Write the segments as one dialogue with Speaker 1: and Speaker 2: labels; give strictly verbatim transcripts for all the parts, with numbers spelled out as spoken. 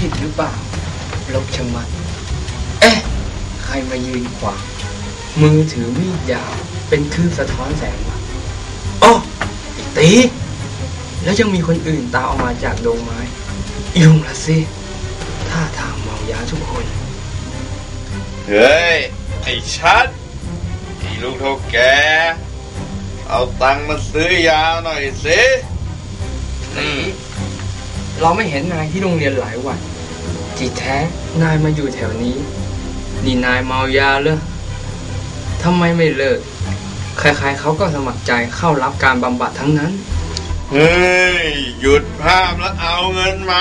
Speaker 1: ผิดหรือเปล่าลบชะมัดเอ๊ะใครมายืนขวางมือถือมีดยาวเป็นคลื่นสะท้อนแสงวะอ๋อไอ้ตีแล้วยังมีคนอื่นตามออกมาจากดงไม้ยุ่งละสิท่าทางเมายาทุกคน
Speaker 2: เฮ้ยไอ้ชัดไอ้ลูกเท่าแกเอาตังค์มาซื้อยาหน่อยสิ
Speaker 1: ตีเราไม่เห็นนายที่โรงเรียนหลายวันที่แท้นายมาอยู่แถวนี้นี่นายเมายาเหรอทำไมไม่เลิกใครๆเขาก็สมัครใจเข้ารับการบำบัดทั้งนั้น
Speaker 2: เฮ้ยหยุดภาพแล้วเอาเงินมา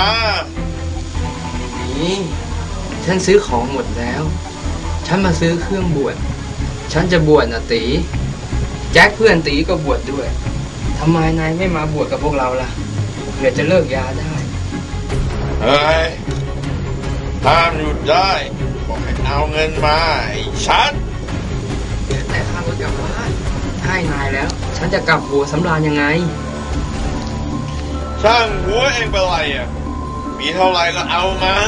Speaker 1: นี่ฉันซื้อของหมดแล้วฉันมาซื้อเครื่องบวชฉันจะบวชนะตีแจ็คเพื่อนตีก็บวชด้วยทำไมนายไม่มาบวชกับพวกเราล่ะเพื่อจะเลิกยาได้
Speaker 2: เฮ้ยห้ามหยุดได้บอกให้เอาเงินมาไอ้ชัด
Speaker 1: แต่ข้ารถกลับบ้านให้นายแล้วฉันจะกลับบัวสำราญยังไง
Speaker 2: ช่างหัวเองเป็นไรอ่ะมีเท่าไรก็เอามา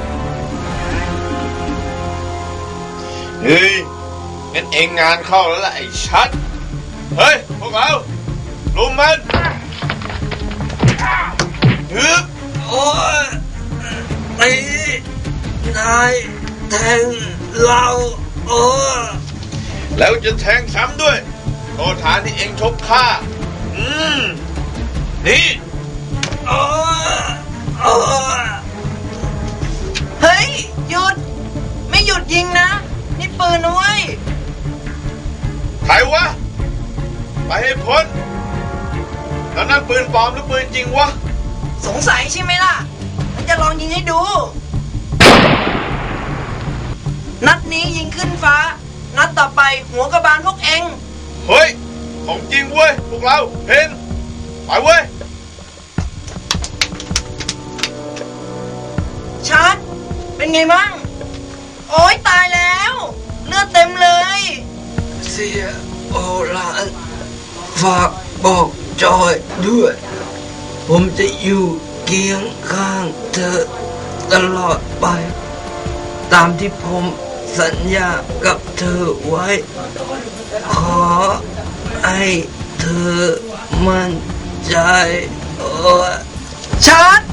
Speaker 2: เฮ้ยงั้นเองงานเข้าแล้วล่ะไอ้ชัดเฮ้ยพวกเราลุมมันฮึบ
Speaker 1: โอ้ยตีนายแทงเราโอ้
Speaker 2: แล้วจะแทงซ้ำด้วยโทษฐานที่เองชกข้าอืมนี่
Speaker 1: โอ้โอ้
Speaker 3: เฮ้ยหยุดไม่หยุดยิงนะนี่ปืนนะเว้ย
Speaker 2: ใครวะไปให้พ้นแล้วนั่นปืนปลอมหรือปืนจริงวะ
Speaker 3: สงสัยใช่ไหมล่ะฉันจะลองยิงให้ดูนัดนี้ยิงขึ้นฟ้านัดต่อไปหัวกระบาลพวกเอง
Speaker 2: เฮ้ยของจริงเว้ยพวกเราเห็นไปเว้ย
Speaker 3: ชัดเป็นไงมั่งโอ๊ยตายแล้วเลือดเต็มเลย
Speaker 1: เสียโอรานฝากบอกจอยด้วยผมจะอยู่เคียงข้างเธอตลอดไปตามที่ผมสัญญากับเธอไว้ขอให้เธอมั่นใจโอ้
Speaker 3: ชัด